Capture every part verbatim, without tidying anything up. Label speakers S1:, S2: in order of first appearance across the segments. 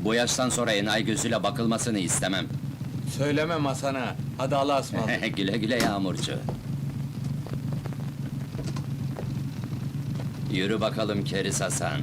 S1: Bu yaştan sonra enayi gözüyle bakılmasını istemem.
S2: Söylemem Hasan'a. Hadi Allah'a ısmarladık.
S1: Güle güle Yağmurcu. Yürü bakalım Keriz Hasan.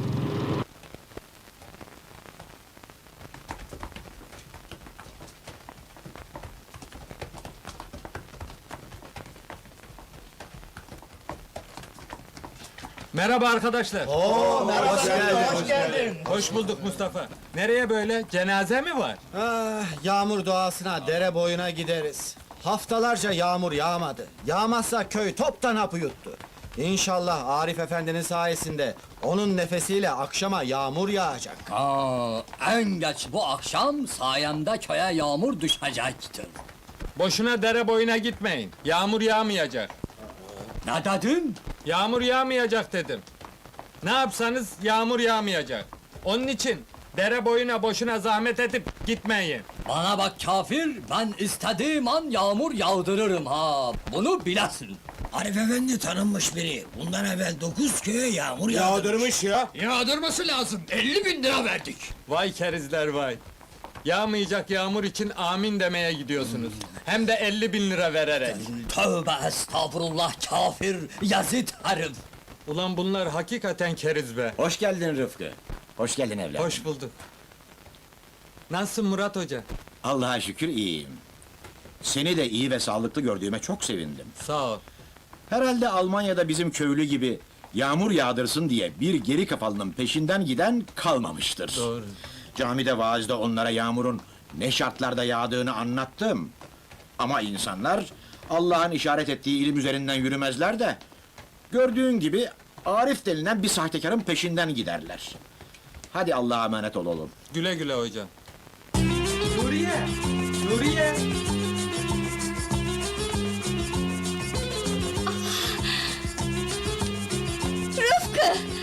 S2: Merhaba arkadaşlar.
S3: Oo, merhaba, hoş geldin.
S4: Hoş geldin.
S2: Hoş bulduk Mustafa. Nereye böyle? Cenaze mi var?
S3: Ah, yağmur doğasına, dere boyuna gideriz. Haftalarca yağmur yağmadı. Yağmazsa köy toptan hapı yuttu. İnşallah Arif Efendi'nin sayesinde onun nefesiyle akşama yağmur yağacak.
S4: Aa, en geç bu akşam sayemde köye yağmur düşecektir.
S2: Boşuna dere boyuna gitmeyin. Yağmur yağmayacak.
S4: Ne dedin?
S2: Yağmur yağmayacak dedim. Ne yapsanız yağmur yağmayacak. Onun için dere boyuna boşuna zahmet edip gitmeyin.
S4: Bana bak kafir, ben istediğim an yağmur yağdırırım ha. Bunu bilesin.
S5: Arif Efendi tanınmış biri. Bundan evvel dokuz köye yağmur yağdırmış.
S3: ya.
S4: Yağdırması lazım. elli bin lira verdik.
S2: Vay kerizler vay. Yağmayacak yağmur için amin demeye gidiyorsunuz. Hem de elli bin lira vererek.
S4: Tövbe estağfurullah kafir, yazıt herif.
S2: Ulan bunlar hakikaten keriz be.
S5: Hoş geldin Rıfkı. Hoş geldin evladım.
S2: Hoş bulduk. Nasılsın Murat Hoca?
S6: Allah'a şükür iyiyim. Seni de iyi ve sağlıklı gördüğüme çok sevindim.
S2: Sağ ol.
S6: Herhalde Almanya'da bizim köylü gibi yağmur yağdırsın diye bir geri kafalının peşinden giden kalmamıştır.
S2: Doğru.
S6: Camide vaazda onlara yağmurun ne şartlarda yağdığını anlattım. Ama insanlar Allah'ın işaret ettiği ilim üzerinden yürümezler de gördüğün gibi Arif denilen bir sahtekarın peşinden giderler. Hadi Allah'a emanet ol oğlum.
S2: Güle güle hocam. Nuriye! Nuriye!
S7: Rıfkı!